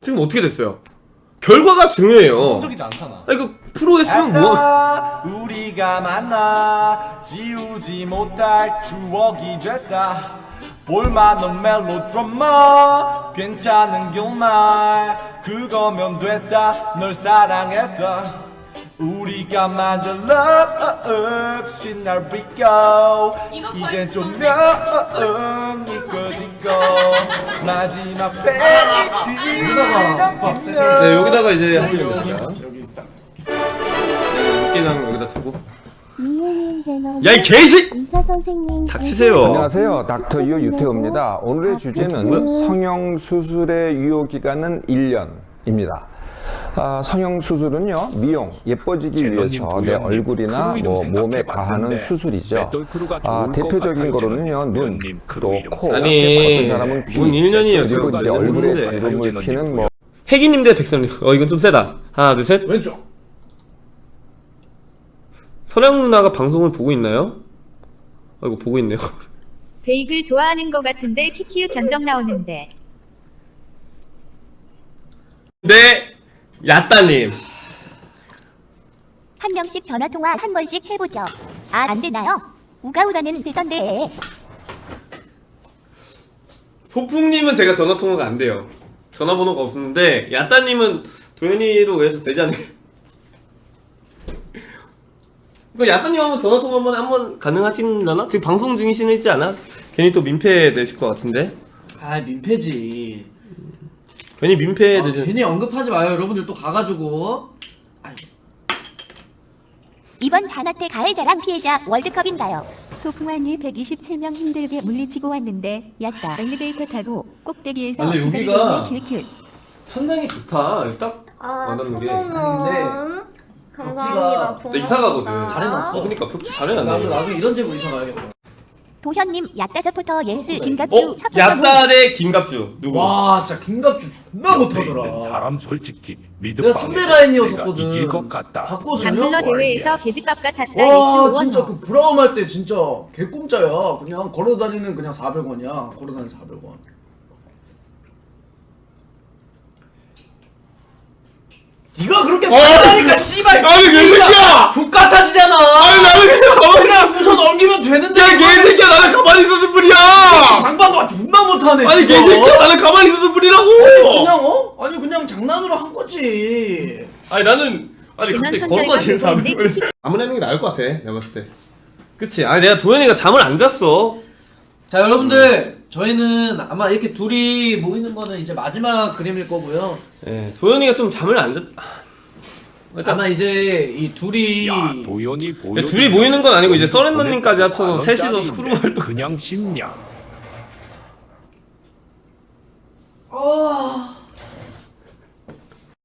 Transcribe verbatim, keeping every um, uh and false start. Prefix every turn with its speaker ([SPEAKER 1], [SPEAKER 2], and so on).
[SPEAKER 1] 지금 어떻게 됐어요? 결과가 중요해요.
[SPEAKER 2] 성적이지 않잖아.
[SPEAKER 1] 아니 그 프로 했으면 뭐
[SPEAKER 2] 우리가 만나 지우지 못할 추억이 됐다. 볼만한 멜로드라마 괜찮은 결말 그거면 됐다. 널 사랑했다. 우리가 만든 love 신날 비껴 이젠 조명이 꺼지고 마지막 페이지
[SPEAKER 1] 네, 여기다가 이제 하시면
[SPEAKER 2] 여기
[SPEAKER 1] 됩니다.
[SPEAKER 2] 여기 딱
[SPEAKER 1] 육개장 여기다 두고.
[SPEAKER 3] 미유님 제너.
[SPEAKER 1] 야 이 개식!
[SPEAKER 3] 의사 선생님.
[SPEAKER 1] 닥치세요.
[SPEAKER 4] 안녕하세요. 닥터 유 유태호입니다. 오늘의 주제는 성형수술의 유효기간은 일 년입니다. 아, 성형수술은요, 미용, 예뻐지기 위해서 내 얼굴이나 뭐 몸에 가하는 수술이죠. 아, 대표적인 거로는요, 눈, 또 코,
[SPEAKER 1] 아니,
[SPEAKER 4] 어떤 사람은 귀,
[SPEAKER 1] 문 일 년이에요.
[SPEAKER 4] 그리고
[SPEAKER 1] 제가
[SPEAKER 4] 이제 얼굴에
[SPEAKER 1] 모르는데.
[SPEAKER 4] 주름을 피는 뭐
[SPEAKER 1] 혜기님 대 백설님. 어 이건 좀 세다. 하나 둘 셋.
[SPEAKER 2] 왼쪽.
[SPEAKER 1] 설영 누나가 방송을 보고 있나요? 아이고 보고 있네요.
[SPEAKER 5] 베이글 좋아하는 거 같은데 키키우 견적 나오는데.
[SPEAKER 1] 네, 야따님.
[SPEAKER 3] 한 명씩 전화 통화 한 번씩 해보죠. 아, 안 되나요? 우가우가는 되던데.
[SPEAKER 1] 소풍님은 제가 전화 통화가 안 돼요. 전화번호가 없는데 야따님은 도현이로 해서 되지 않을까? 그 야따님 한번 전화 통화 한번 한번 가능하신려나? 지금 방송 중이시지 않아? 괜히 또 민폐 되실 것 같은데?
[SPEAKER 6] 아 민폐지.
[SPEAKER 1] 괜히 민폐
[SPEAKER 6] 아,
[SPEAKER 1] 되지.
[SPEAKER 6] 괜히 언급하지 마요. 여러분들 또 가가지고. 아이,
[SPEAKER 3] 이번 단아태 가해자랑 피해자 월드컵인가요?
[SPEAKER 5] 소풍환이 백이십칠 명 힘들게 물리치고 왔는데 야따 엘리베이터 타고 꼭대기에서
[SPEAKER 1] 아니,
[SPEAKER 5] 기다리고
[SPEAKER 1] 여기가-
[SPEAKER 5] 있네 킬킬.
[SPEAKER 1] 천장이 좋다. 딱
[SPEAKER 7] 아,
[SPEAKER 1] 와닿는 게.
[SPEAKER 7] 천원은 감사합니다.
[SPEAKER 6] 벽지가-
[SPEAKER 1] 나 이사 가거든.
[SPEAKER 6] 잘해놨어.
[SPEAKER 1] 어, 그러니까 벽지
[SPEAKER 6] 나도
[SPEAKER 1] 잘해놨네.
[SPEAKER 6] 나중에 이런 집으로 이사 가야겠다.
[SPEAKER 3] 도현님 야따 서포터 예스
[SPEAKER 6] 그래.
[SPEAKER 3] 김갑주
[SPEAKER 1] 어?
[SPEAKER 3] 서포터
[SPEAKER 1] 야따 대 김갑주 누구?
[SPEAKER 6] 와 진짜 김갑주 존나 못하더라.
[SPEAKER 8] 사람 솔직히 미드
[SPEAKER 6] 내가 상대 라인이었었거든.
[SPEAKER 8] 이길 것 같다.
[SPEAKER 6] 봤거든요.
[SPEAKER 5] 담블러 대회에서 계집밥 같았다. 에스
[SPEAKER 6] 와 진짜
[SPEAKER 5] 오원.
[SPEAKER 6] 그 브라움 할 때 진짜 개꿈짜야. 그냥 걸어다니는 그냥 사백 원이야. 걸어다니는 사백 원. 네가 그렇게 말하니까 씨발
[SPEAKER 1] 아니, 개새끼야!
[SPEAKER 6] 족같아지잖아.
[SPEAKER 1] 아니 나는 그냥 가만히
[SPEAKER 6] 그냥 웃어 넘기면 되는데.
[SPEAKER 1] 야 개새끼야 나는 가만히 있었을 뿐이야.
[SPEAKER 6] 방방도 존나 못하네.
[SPEAKER 1] 아니
[SPEAKER 6] 진짜.
[SPEAKER 1] 개새끼야 나는 가만히 있었을 뿐이라고.
[SPEAKER 6] 그냥 어? 아니 그냥 장난으로 한 거지.
[SPEAKER 1] 아니 나는 아니
[SPEAKER 5] 재난
[SPEAKER 1] 그때
[SPEAKER 5] 손절가
[SPEAKER 1] 걸어다니는 사람
[SPEAKER 5] 그건데
[SPEAKER 1] 아무나 하는 게 나을 것 같아 내가 봤을 때. 그치? 아니 내가 도현이가 잠을 안 잤어.
[SPEAKER 6] 자 여러분들 저희는 아마 이렇게 둘이 모이는 거는 이제 마지막 그림일 거고요.
[SPEAKER 1] 예, 도현이가 좀 잠을 안 잤.
[SPEAKER 6] 아마 이제 이 둘이
[SPEAKER 8] 야 도연이 보여.
[SPEAKER 1] 둘이 모이는 건 아니고 이제 서렌더님까지 합쳐서 셋이서 스크루 활동.
[SPEAKER 8] 그냥 쉽냐?